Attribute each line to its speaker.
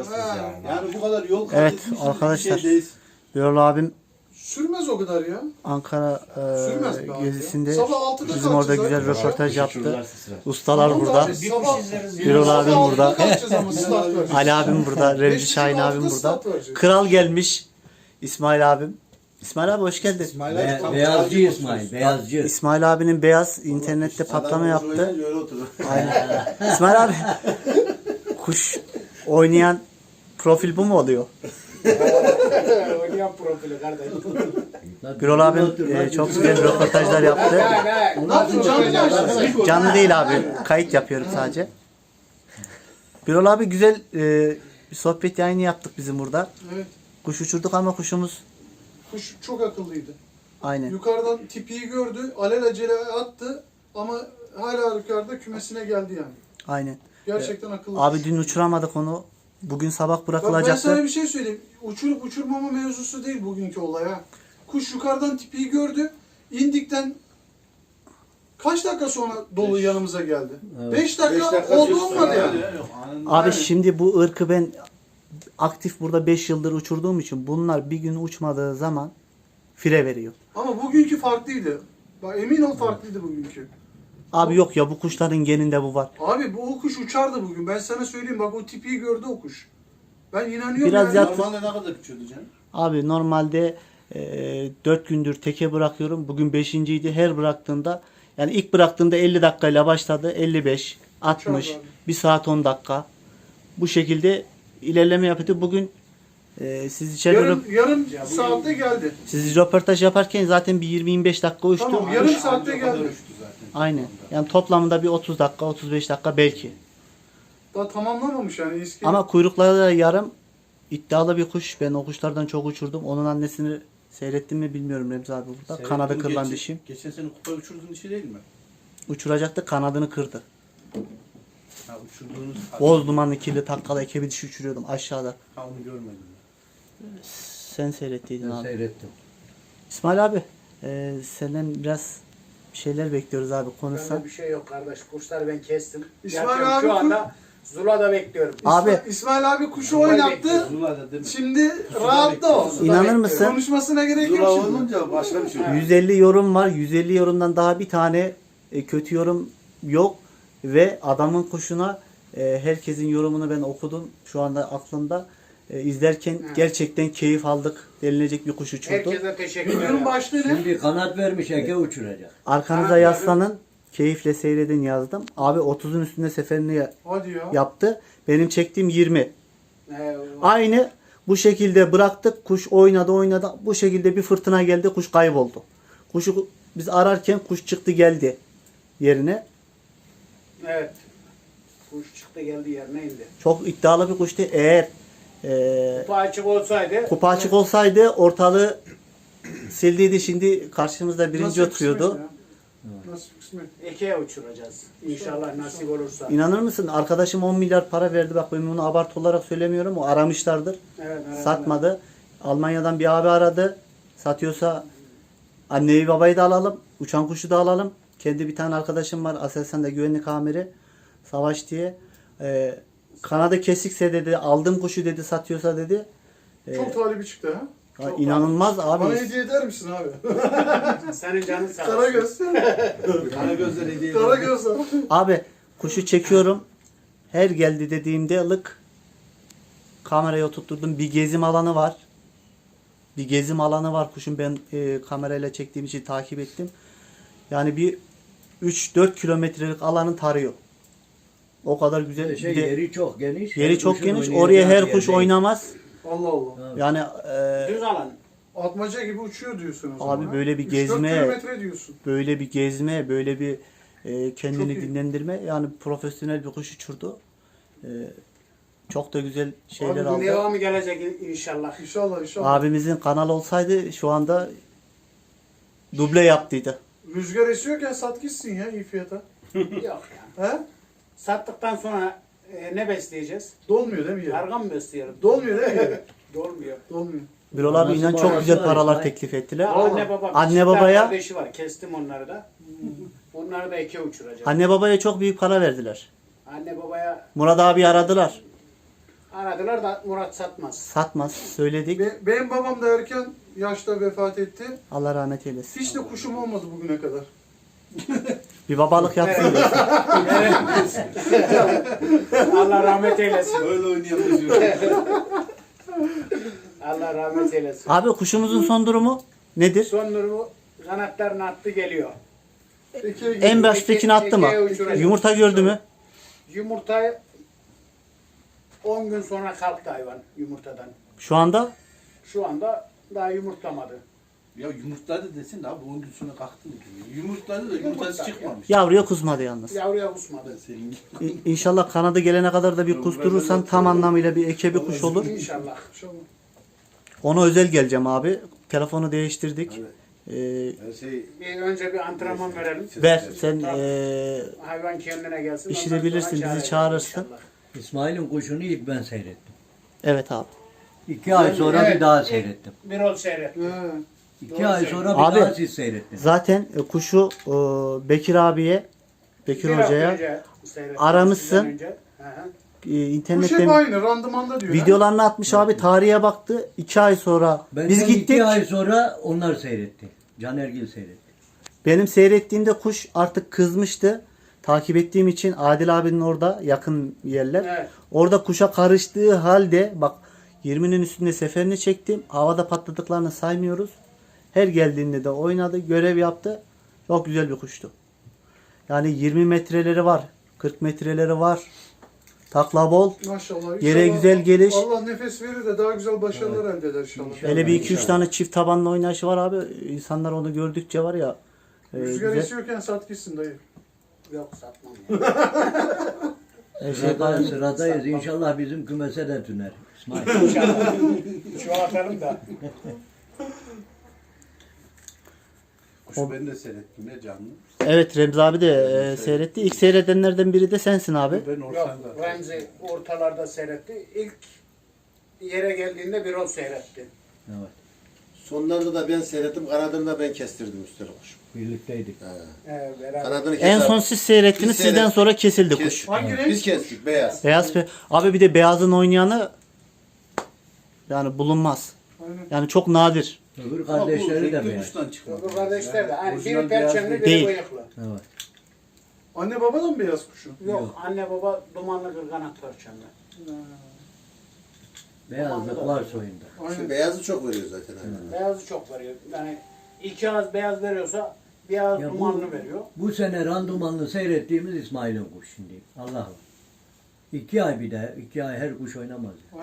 Speaker 1: alırsınız yani.
Speaker 2: Yani bu kadar yol kat
Speaker 3: Evet
Speaker 2: etmişsiniz,
Speaker 3: arkadaşlar.
Speaker 2: bir şey değil.
Speaker 3: Birol abim
Speaker 4: Sürmez o kadar ya.
Speaker 3: Ankara
Speaker 4: Sürmez be abi
Speaker 3: gezisinde
Speaker 4: ya. Sabah 6'da
Speaker 3: bizim orada
Speaker 4: kalkacağız
Speaker 3: güzel
Speaker 4: abi.
Speaker 3: röportaj yaptı.
Speaker 1: Uçururlarsa sıra.
Speaker 3: Ustalar
Speaker 4: Tamam
Speaker 3: burada.
Speaker 4: abi,
Speaker 1: Bir
Speaker 4: sabah-
Speaker 1: kuş izleriz.
Speaker 3: Birol
Speaker 4: Sabah
Speaker 3: abim
Speaker 4: 6'da
Speaker 3: burada.
Speaker 4: kalkacağız ama start vereceğiz.
Speaker 3: Ali abim burada. Remzi
Speaker 4: 5'te
Speaker 3: Şahin abim
Speaker 4: 6'da
Speaker 3: burada.
Speaker 4: start vereceğiz.
Speaker 3: Kral gelmiş. İsmail abim. İsmail abi hoş geldin.
Speaker 2: İsmail abi tam
Speaker 5: Beyazcı
Speaker 2: kralcı
Speaker 5: İsmail,
Speaker 2: olsun.
Speaker 5: beyazcı.
Speaker 3: İsmail abinin beyaz internette patlama
Speaker 2: Adam
Speaker 3: yaptı.
Speaker 2: oynayınca öyle oturur.
Speaker 3: Aynen. İsmail abi kuş oynayan profil bu mu oluyor?
Speaker 6: Oynayan profili kardeşim.
Speaker 3: Birol abim çok güzel röportajlar yaptı.
Speaker 4: Ne yaptın canlı mı açtın?
Speaker 3: Canlı değil abi. Kayıt yapıyorum sadece. Birol abi güzel bir sohbet yayını yaptık bizim burada.
Speaker 4: Evet.
Speaker 3: Kuş uçurduk ama kuşumuz
Speaker 4: Kuş çok akıllıydı.
Speaker 3: aynen.
Speaker 4: Yukarıdan tipiyi gördü, alelacele attı ama hala yukarıda kümesine geldi yani.
Speaker 3: Aynen.
Speaker 4: Gerçekten akıllı.
Speaker 3: Abi dün uçuramadık onu. Bugün sabah
Speaker 4: Bak ben sana
Speaker 3: bırakılacaktı.
Speaker 4: bir şey söyleyeyim. Uçurup uçurmama mevzusu değil bugünkü olay ha. Kuş yukarıdan tipiyi gördü. İndikten kaç dakika sonra dolu yanımıza geldi? 5 dakika oldu olmadı yani.
Speaker 2: Yok, anında.
Speaker 3: Abi şimdi bu ırkı ben aktif burada 5 yıldır uçurduğum için bunlar bir gün uçmadığı zaman fire veriyor.
Speaker 4: Ama bugünkü farklıydı. Bak emin ol farklıydı bugünkü.
Speaker 3: Abi yok ya bu kuşların geninde bu var.
Speaker 4: Abi bu o kuş uçardı bugün. Ben sana söyleyeyim bak o tipiyi gördü o kuş. Ben inanıyorum
Speaker 3: Biraz
Speaker 4: yani.
Speaker 3: yat-
Speaker 2: Normalde ne kadar küçüldü canım?
Speaker 3: Abi normalde 4 gündür teke bırakıyorum. Bugün 5.'ydi. Her bıraktığımda yani ilk bıraktığımda 50 dakikayla başladı. 55, 60,
Speaker 4: Çok abi.
Speaker 3: 1 saat 10 dakika. Bu şekilde ilerleme yapıyordu. Bugün siz içeri
Speaker 4: Yarım saatte geldi.
Speaker 3: siz röportaj yaparken zaten bir 20-25 dakika uçtu.
Speaker 4: Tamam, yarım saatte
Speaker 2: O kadar
Speaker 4: geldi.
Speaker 2: uçtu zaten.
Speaker 3: Aynen. Yani toplamda bir 30 dakika, 35 dakika belki.
Speaker 4: Daha tamamlamamış yani eski.
Speaker 3: Ama kuyrukları da yarım iddialı bir kuş. Ben o kuşlardan çok uçurdum. Onun annesini seyrettim mi bilmiyorum Remzi abi burada.
Speaker 2: Seyrettim,
Speaker 3: Kanadı kırılan
Speaker 2: geçen-
Speaker 3: dişi.
Speaker 2: Geçen sene kupa uçurduğun dişi değil mi?
Speaker 3: Uçuracaktı, kanadını kırdı.
Speaker 2: Ha uçurduğunuz...
Speaker 3: Boz dumanlı kirli takkalı ekebi dişi uçuruyordum aşağıda.
Speaker 2: Ha onu görmedim.
Speaker 3: Sen seyrettiydin
Speaker 5: Ben
Speaker 3: abi.
Speaker 5: seyrettim.
Speaker 3: İsmail abi senden biraz bir şeyler bekliyoruz abi konuşsan.
Speaker 6: Bende bir şey yok kardeş. Kuşları ben kestim.
Speaker 4: İsmail
Speaker 6: Yatıyorum
Speaker 4: abi
Speaker 6: şu anda Zula'da bekliyorum.
Speaker 3: Abi
Speaker 4: İsmail abi kuşu
Speaker 6: Normal
Speaker 4: oynattı.
Speaker 6: bekliyoruz.
Speaker 2: Zula'da değil mi?
Speaker 4: Şimdi rahatla o.
Speaker 6: Zula'da
Speaker 3: İnanır
Speaker 6: bekliyorum.
Speaker 3: mısın?
Speaker 4: Konuşmasına gerek
Speaker 2: Zula
Speaker 4: yok şimdi.
Speaker 2: olunca başka bir şey.
Speaker 3: 150 yorum var. 150 yorumdan daha bir tane kötü yorum yok. Ve adamın kuşuna herkesin yorumunu ben okudum. Şu anda aklımda. İzlerken
Speaker 6: Evet.
Speaker 3: gerçekten keyif aldık. Denilecek bir kuş uçurdu.
Speaker 6: Herkese teşekkür
Speaker 4: Videonun
Speaker 6: ederim.
Speaker 4: başlığı ne?
Speaker 5: Şimdi kanat vermiş eke uçuracak.
Speaker 3: Arkanıza
Speaker 6: Kanat
Speaker 3: yaslanın. Keyifle seyredin yazdım. Abi 30'un üstünde seferini
Speaker 4: Hadi ya.
Speaker 3: yaptı. Benim çektiğim 20.
Speaker 6: Ee,
Speaker 3: Aynı bu şekilde bıraktık. Kuş oynadı. Bu şekilde bir fırtına geldi. Kuş kayboldu. Kuşu biz ararken kuş çıktı geldi yerine.
Speaker 6: evet. Kuş çıktı geldi yerine indi.
Speaker 3: Çok iddialı bir kuştu. Eğer
Speaker 6: Kupa açık olsaydı
Speaker 3: kupa açık olsaydı ortalığı sildiydi. Şimdi karşımızda birinci
Speaker 4: Nasıl
Speaker 3: oturuyordu.
Speaker 4: kısmet ya? Nasıl kısmet?
Speaker 6: Eke'ye uçuracağız. İnşallah nasip olursa.
Speaker 3: İnanır mısın? Arkadaşım 10 milyar para verdi. Bak ben bunu abartı olarak söylemiyorum. O aramışlardır.
Speaker 6: Evet,
Speaker 3: Satmadı. Almanya'dan bir abi aradı. Satıyorsa anneyi babayı da alalım. Uçan kuşu da alalım. Kendi bir tane arkadaşım var. Aselsan'da güvenlik amiri. Savaş diye. Kanadı kesikse dedi. Aldım kuşu dedi. Satıyorsa dedi.
Speaker 4: Çok talibi çıktı ha.
Speaker 3: Ya inanılmaz
Speaker 4: Bana
Speaker 3: abi.
Speaker 4: hediye eder misin abi?
Speaker 6: Senin canın sağ olsun.
Speaker 4: Karagöz.
Speaker 2: Kara gözler hediye
Speaker 4: Karagöz abi.
Speaker 3: Abi kuşu çekiyorum. Her geldi dediğimde ılık kameraya oturtturdum. Bir gezim alanı var. Bir gezim alanı var kuşun. Ben kamerayla çektiğim için takip ettim. Yani bir 3-4 kilometrelik alanı tarıyor. O kadar güzel. Bir de
Speaker 5: Yeri çok geniş.
Speaker 3: yeri
Speaker 5: Her
Speaker 3: çok
Speaker 5: kuşun
Speaker 3: geniş.
Speaker 5: oynayacağı
Speaker 3: Oraya her
Speaker 5: yer
Speaker 3: kuş
Speaker 5: değil.
Speaker 3: oynamaz.
Speaker 4: Allah Allah.
Speaker 3: Yani
Speaker 6: Düz alan.
Speaker 4: Atmaca gibi uçuyor diyorsun o zaman.
Speaker 3: abi
Speaker 4: ha?
Speaker 3: böyle bir
Speaker 4: 3-4
Speaker 3: gezme,
Speaker 4: kilometre diyorsun.
Speaker 3: böyle bir gezme, böyle bir kendini
Speaker 4: Çok iyi.
Speaker 3: dinlendirme. Yani profesyonel bir kuş uçurdu. Çok da güzel şeyler
Speaker 4: Abi bu
Speaker 3: aldı.
Speaker 6: Devamı gelecek inşallah.
Speaker 4: İnşallah inşallah.
Speaker 3: Abimizin kanal olsaydı şu anda duble yaptıydı.
Speaker 4: Rüzgar esiyorken sat gitsin ya iyi fiyata.
Speaker 6: Yok yani.
Speaker 4: He?
Speaker 6: Sattıktan sonra ne besleyeceğiz?
Speaker 4: Dolmuyor değil mi yeri?
Speaker 6: Kargan mı besleyelim?
Speaker 4: Dolmuyor değil mi yeri?
Speaker 6: Dolmuyor.
Speaker 4: Dolmuyor.
Speaker 3: Birol abi
Speaker 5: Nasıl
Speaker 3: inan çok
Speaker 5: bağırsın
Speaker 3: güzel
Speaker 5: abi,
Speaker 3: paralar
Speaker 5: İsmail?
Speaker 3: teklif ettiler.
Speaker 6: Anne baba.
Speaker 3: Anne
Speaker 6: küçükler
Speaker 3: babaya-
Speaker 6: kardeşi var. Kestim onları da. Onları da eke uçuracağım.
Speaker 3: Anne babaya çok büyük para verdiler.
Speaker 6: Anne babaya
Speaker 3: Murat abi aradılar.
Speaker 6: Aradılar da Murat satmaz.
Speaker 3: Satmaz. Söyledik.
Speaker 4: Benim babam da erken yaşta vefat etti.
Speaker 3: Allah rahmet eylesin.
Speaker 4: Hiç de kuşum olmadı bugüne kadar.
Speaker 3: Bir babalık yapsın.
Speaker 6: Evet. Allah rahmet eylesin.
Speaker 2: Öyle oynayamıyoruz.
Speaker 6: Allah rahmet eylesin.
Speaker 3: Abi kuşumuzun son durumu nedir?
Speaker 6: Son durumu kanatlarını attı geliyor.
Speaker 3: En baştakini attı mı?
Speaker 6: Ekeğe uçuracak.
Speaker 3: Yumurta gördü mü?
Speaker 6: Yumurtayı 10 gün sonra kalktı hayvan yumurtadan.
Speaker 3: Şu anda
Speaker 6: Şu anda daha yumurtlamadı.
Speaker 2: Ya yumurtladı desin de abi 10 gün sonra kalktı mı? Yumurtladı da yumurtası
Speaker 6: Yumurtladı.
Speaker 2: çıkmamış.
Speaker 3: yavruya kusmadı yalnız.
Speaker 6: Yavruya kusmadı.
Speaker 2: Senin gibi.
Speaker 3: İnşallah kanadı gelene kadar da bir kusturursan tam anlamıyla bir eke bir kuş olur.
Speaker 6: İnşallah.
Speaker 3: Ona özel geleceğim abi. Telefonu değiştirdik. Ee,
Speaker 2: Her şey
Speaker 6: Bir önce bir antrenman verelim.
Speaker 3: ver sen
Speaker 6: Hayvan kendine gelsin.
Speaker 3: İşini
Speaker 6: ondan sonra
Speaker 3: bilirsin, bizi
Speaker 6: çağıracağız
Speaker 3: çağırırsın.
Speaker 6: inşallah.
Speaker 5: İsmail'in kuşunu ilk ben seyrettim.
Speaker 3: evet abi.
Speaker 5: 2 ay sonra
Speaker 6: Evet.
Speaker 5: bir daha seyrettim.
Speaker 6: Bir ol seyret.
Speaker 5: 2 ay sonra
Speaker 3: Abi.
Speaker 5: bir daha siz seyrettiniz.
Speaker 3: Zaten kuşu Bekir abiye, Bekir
Speaker 6: Bir hafta
Speaker 3: Hoca'ya
Speaker 6: önce seyrettim,
Speaker 3: aramışsın.
Speaker 6: sizden önce. Hı hı.
Speaker 4: Kuş hep
Speaker 3: internetten
Speaker 4: aynı randımanda diyor.
Speaker 3: videolarını atmış abi. Tarihe baktı. 2 ay sonra
Speaker 5: Benden
Speaker 3: biz gittik.
Speaker 5: 2 ay sonra onlar seyretti. Can Ergil seyretti.
Speaker 3: Benim seyrettiğimde kuş artık kızmıştı. Takip ettiğim için Adil abinin orada yakın yerler.
Speaker 6: Evet.
Speaker 3: Orada kuşa karıştığı halde bak 20'nin üstünde seferini çektim. Havada patladıklarını saymıyoruz. Her geldiğinde de oynadı, görev yaptı. Çok güzel bir kuştu. Yani 20 metreleri var, 40 metreleri var. Takla bol.
Speaker 4: Maşallah.
Speaker 3: Yere
Speaker 4: İnşallah
Speaker 3: güzel geliş.
Speaker 4: Allah nefes verir de daha güzel başarılar elde eder inşallah.
Speaker 3: Hele bir 2-3 tane çift tabanlı oynayışı var abi. İnsanlar onu gördükçe var ya.
Speaker 4: Rüzgar
Speaker 3: güzel.
Speaker 4: esiyorken sat gitsin dayı.
Speaker 6: Yok satmam. Ya.
Speaker 3: Her şey gayet-
Speaker 5: Sıradayız. İnşallah bizim kümese de tüner. İsmail.
Speaker 6: İnşallah. Şu atalım da.
Speaker 2: kuşu ben de seyrettim ya canlı.
Speaker 3: Evet Remzi abi de seyretti. İlk seyredenlerden biri de sensin abi.
Speaker 2: Ben
Speaker 6: Yok
Speaker 2: ortamda.
Speaker 6: Remzi ortalarda seyretti. İlk yere geldiğinde bir ol seyretti.
Speaker 5: Evet.
Speaker 1: Sonlarda da ben seyrettim, kanadını da ben kestirdim üstüne kuş.
Speaker 5: Birlikteydik.
Speaker 6: Beraber.
Speaker 1: Kanadını
Speaker 3: En son siz seyrettiniz.
Speaker 1: Biz
Speaker 3: Sizden
Speaker 1: seyrettik.
Speaker 3: sonra kesildi
Speaker 1: Kes-
Speaker 3: kuş.
Speaker 4: Hangi renk?
Speaker 1: Biz kestik, beyaz.
Speaker 3: Beyaz abi bir de beyazın oynayanı yani bulunmaz.
Speaker 4: Aynen.
Speaker 3: Yani çok nadir.
Speaker 5: Öbür kardeşleri de beğen.
Speaker 2: kuştan çıkmadı.
Speaker 6: Bu kardeşler de. Hani
Speaker 2: Orijinal
Speaker 6: biri
Speaker 2: beyaz
Speaker 6: perçemli biri
Speaker 3: değil.
Speaker 6: bıyıklı.
Speaker 5: Evet.
Speaker 4: Anne baba da mı beyaz kuşu?
Speaker 6: Yok anne baba dumanlı kırganat perçemli.
Speaker 5: Beyazlık var soyunda.
Speaker 1: Şu
Speaker 4: Aynen.
Speaker 1: beyazı çok veriyor zaten. Aynen.
Speaker 6: Beyazı çok veriyor. Yani 2 ağız beyaz veriyorsa bir ağız
Speaker 5: Ya
Speaker 6: dumanlı veriyor.
Speaker 5: Bu sene randımanlı seyrettiğimiz İsmail'in kuş şimdi. Allah Allah. 2 ay bir de 2 ay her kuş oynamaz.